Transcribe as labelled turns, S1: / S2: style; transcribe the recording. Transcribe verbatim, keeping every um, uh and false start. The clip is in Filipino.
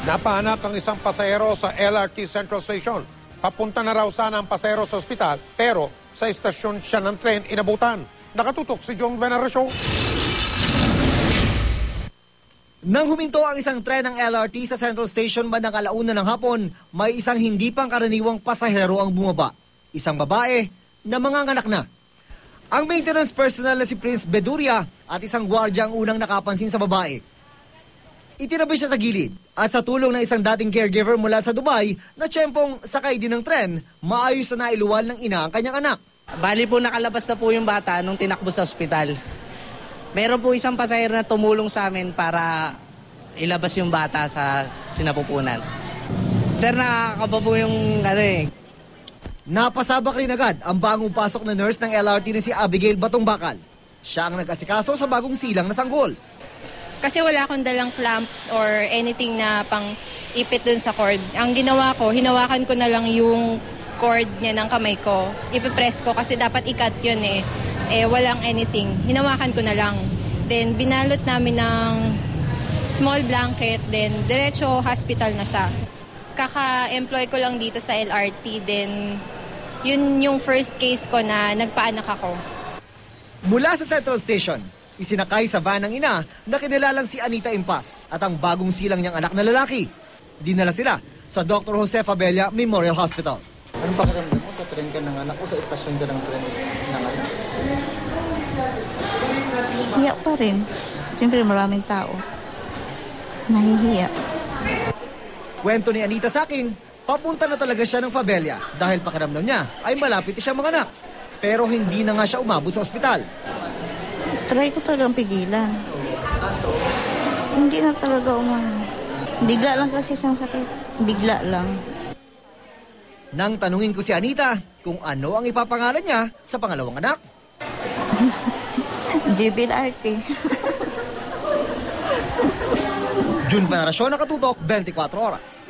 S1: Napahanap ang isang pasahero sa L R T Central Station. Papunta na raw sana ang pasahero sa ospital, pero sa istasyon siya ng tren inabutan. Nakatutok si John Veneracion.
S2: Nang huminto ang isang tren ng L R T sa Central Station bandang alauna ng hapon, may isang hindi pangkaraniwang pasahero ang bumaba. Isang babae na manganganak na. Ang maintenance personnel na si Prince Beduria at isang gwardiya ang unang nakapansin sa babae. Itinabi siya sa gilid at sa tulong ng isang dating caregiver mula sa Dubai na tiyempong sakay din ng tren, maayos na nailuwal ng ina ang kanyang anak.
S3: Bali po nakalabas na po yung bata nung tinakbo sa ospital. Meron po isang pasahero na tumulong sa amin para ilabas yung bata sa sinapupunan. Sir, nakakaba po yung ano eh.
S2: Napasabak rin agad ang bagong pasok na nurse ng L R T na si Abigail Batongbakal. Siya ang nag-asikaso sa bagong silang na sanggol.
S4: Kasi wala akong dalang clamp or anything na pang ipit dun sa cord. Ang ginawa ko, hinawakan ko na lang yung cord niya ng kamay ko. Ipipress ko kasi dapat ikat yun eh. Eh, walang anything. Hinawakan ko na lang. Then, binalot namin ng small blanket. Then, diretso hospital na siya. Kaka-employ ko lang dito sa L R T. Then, yun yung first case ko na nagpaanak ako.
S2: Mula sa Central Station, isinakay sa van ng ina na kinilalang si Anita Impas at ang bagong silang niyang anak na lalaki. Dinala sila sa Doctor Jose Fabella Memorial Hospital.
S5: Anong pakiramdam mo sa tren ka ng anak o sa estasyon ka ng tren ng anak?
S6: Hiya pa rin. Siyempre maraming tao. Nahihiya.
S2: Kwento ni Anita sa akin, papunta na talaga siya ng Fabella dahil pakiramdam niya ay malapit siyang manganak. Pero hindi na nga siya umabot sa ospital.
S6: Try ko talagang pigilan. Hindi na talaga umano. Bigla lang kasi siyang sakit. Bigla lang.
S2: Nang tanungin ko si Anita kung ano ang ipapangalan niya sa pangalawang anak.
S6: Jubil Arte.
S2: June Veneracion, Nakatutok, twenty-four oras.